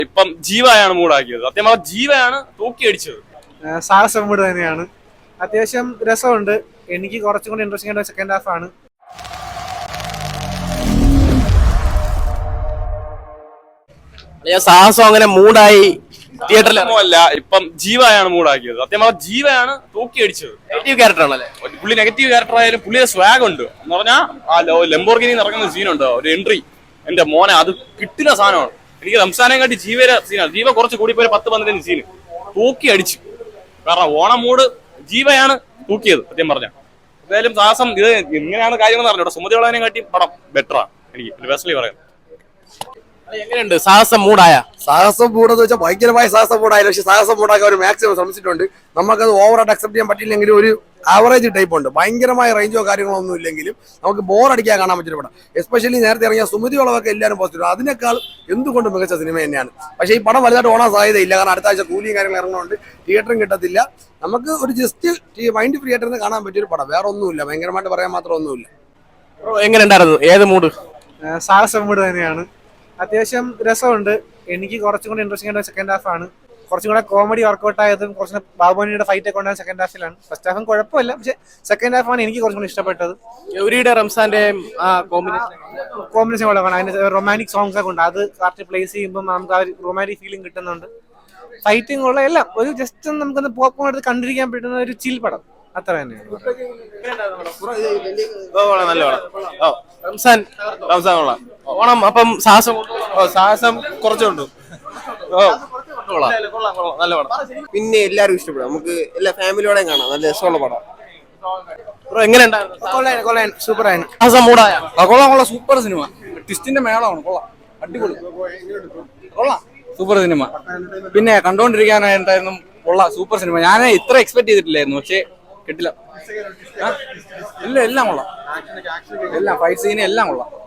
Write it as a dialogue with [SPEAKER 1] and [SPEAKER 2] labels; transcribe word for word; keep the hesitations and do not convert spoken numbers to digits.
[SPEAKER 1] ഇപ്പം ജീവയാണ് മൂടാക്കിയത്. സത്യം പറഞ്ഞാൽ ജീവയാണ് തൂക്കിയടിച്ചത്.
[SPEAKER 2] സാഹസം മൂഡ് തന്നെയാണ്. അത്യാവശ്യം രസമുണ്ട്. എനിക്ക് കുറച്ചും കൂടി ഇൻട്രസ്റ്റിംഗ് ആയിട്ട് സെക്കൻഡ് ഹാഫ് ആണ്.
[SPEAKER 3] സാഹസം അങ്ങനെ മൂടായി
[SPEAKER 1] തിയേറ്ററിലല്ല, ഇപ്പം ജീവയാണ് മൂടാക്കിയത്. സത്യം പറഞ്ഞാൽ ജീവയാണ് തൂക്കിയടിച്ചത്.
[SPEAKER 3] നെഗറ്റീവ് ക്യാരക്ടർ ആണല്ലേ
[SPEAKER 1] പുള്ളി. നെഗറ്റീവ് ക്യാരക്ടർ ആയാലും പുള്ളിയുടെ സ്വാഗ് ഉണ്ട് എന്ന് പറഞ്ഞാൽ ആ ലംബോർഗിനി ഇറങ്ങുന്ന സീനുണ്ട്, ഒരു എൻട്രി. എന്റെ മോനെ അത് കിട്ടുന്ന സാധനമാണ്. എനിക്ക് റംസാനെ കാട്ടി ജീവയുടെ സീനാണ്. ജീവ കുറച്ച് കൂടി പോയി പത്ത് പന്ത്രണ്ടിന് സീന് തൂക്കി അടിച്ചു. കാരണം ഓണം മൂട് ജീവയാണ് തൂക്കിയത്. സത്യം പറഞ്ഞാൽ എന്തായാലും സാഹസം ഇത് ഇങ്ങനെയാണ് കാര്യങ്ങൾ പറഞ്ഞു. ഇവിടെ സുമതി വളവിനെ കാട്ടി പടം ബെറ്ററാണ് എനിക്ക് പേഴ്സണലി പറയാം.
[SPEAKER 3] എങ്ങനെയുണ്ട് സാഹസം മൂടായ?
[SPEAKER 4] സാഹസം മൂടെന്ന് വെച്ചാൽ ഭയങ്കരമായ സാഹസം മൂടായാലും പക്ഷെ സാഹസം മൂടാക്കാൻ ഒരു മാക്സിമം ശ്രമിച്ചിട്ടുണ്ട്. നമുക്കത് ഓവറായിട്ട് അക്സെപ്റ്റ് ചെയ്യാൻ പറ്റില്ലെങ്കിലും ഒരു ആവറേജ് ടൈപ്പ് ഉണ്ട്. ഭയങ്കരമായ റേഞ്ചോ കാര്യങ്ങളോ ഒന്നും ഇല്ലെങ്കിലും നമുക്ക് ബോർ അടിക്കാൻ കാണാൻ പറ്റുന്ന പടം. എസ്പെഷ്യലി നേരത്തെ ഇറങ്ങിയ സുമതി വളവൊക്കെ എല്ലാവരും പോസിറ്റീവ്. അതിനേക്കാൾ എന്തുകൊണ്ട് മികച്ച സിനിമ തന്നെയാണ്. പക്ഷേ ഈ പടം വലുതായിട്ട് ഓണാൻ സാധ്യതയില്ല. കാരണം അടുത്ത ആഴ്ച കൂലിയും കാര്യങ്ങൾ ഇറങ്ങുന്നുണ്ട്, തിയേറ്ററും കിട്ടത്തില്ല. നമുക്ക് ഒരു ജസ്റ്റ് മൈൻഡ് ഫ്രീ ആയിട്ട് കാണാൻ പറ്റിയൊരു പടം, വേറെ ഒന്നുമില്ല. ഭയങ്കരമായിട്ട് പറയാൻ മാത്രം ഒന്നുമില്ല.
[SPEAKER 3] എങ്ങനെ ഉണ്ടായിരുന്നു? ഏത് മൂഡ്?
[SPEAKER 2] സാഹസം മൂഡ് തന്നെയാണ്. അത്യാവശ്യം രസമുണ്ട്. എനിക്ക് കുറച്ചും കൂടി ഇൻട്രസ്റ്റിംഗ് ആയിട്ട് സെക്കൻഡ് ഹാഫ് ആണ്. കുറച്ചും കൂടെ കോമഡി വർക്കൗട്ട് ആയതും കുറച്ച് ബാബുമണിയുടെ ഫൈറ്റ് ഒക്കെ ഉണ്ടായ സെക്കൻഡ് ഹാഫിലാണ്. ഫസ്റ്റ് ഹാഫും കുഴപ്പമില്ല, പക്ഷെ സെക്കൻഡ് ഹാഫാണ് എനിക്ക് കുറച്ചും കൂടി ഇഷ്ടപ്പെട്ടത്.
[SPEAKER 3] ഗൗരിയുടെ റംസാന്റെ കോമ്പിനേഷൻ
[SPEAKER 2] കോമ്പിനേഷൻ കൊള്ളാണ്. അതിന് റൊമാൻറ്റിക് സോങ്സ് ഒക്കെ ഉണ്ട്. അത് കറക്റ്റ് പ്ലേസ് ചെയ്യുമ്പോൾ നമുക്ക് ആ ഒരു റൊമാൻറ്റിക് ഫീലിംഗ് കിട്ടുന്നുണ്ട്. ഫൈറ്റിംഗ് ഉള്ള എല്ലാം ഒരു ജസ്റ്റ് നമുക്കൊന്ന് പോപ്കോൺ എടുത്ത് കണ്ടിരിക്കാൻ പറ്റുന്ന ഒരു ചിൽ പടം, അത്ര തന്നെയാണ്.
[SPEAKER 1] നല്ല പടം.
[SPEAKER 3] റംസാൻ
[SPEAKER 1] റംസാൻ കൊള്ളാം.
[SPEAKER 3] ഓണം അപ്പം സാഹസം
[SPEAKER 1] സാഹസം കുറച്ചുണ്ട്. നല്ല പടം.
[SPEAKER 5] പിന്നെ എല്ലാവരും ഇഷ്ടപ്പെടും. നമുക്ക് എല്ലാ ഫാമിലിയോടെയും കാണാം. നല്ല രസമുള്ള പടം.
[SPEAKER 3] എങ്ങനെ ഉണ്ടായിരുന്നു?
[SPEAKER 2] സൂപ്പർ ആയിരുന്നു.
[SPEAKER 3] സാഹസം മൂടായ?
[SPEAKER 6] കൊള്ളാം കൊള്ളാം. Super cinema. ട്വിസ്റ്റിന്റെ മേളമാണ്. കൊള്ളാം, അടിപൊളി, കൊള്ളാം, സൂപ്പർ സിനിമ. പിന്നെ കണ്ടോണ്ടിരിക്കാനായിട്ടായിരുന്നു. കൊള്ളാം, സൂപ്പർ സിനിമ. ഞാൻ ഇത്ര എക്സ്പെക്ട് ചെയ്തിട്ടില്ലായിരുന്നു, പക്ഷെ കിട്ടില്ല. ഇല്ല, എല്ലാം കൊള്ളാം. എല്ലാം ഫൈറ്റ് സീൻ എല്ലാം കൊള്ളാം.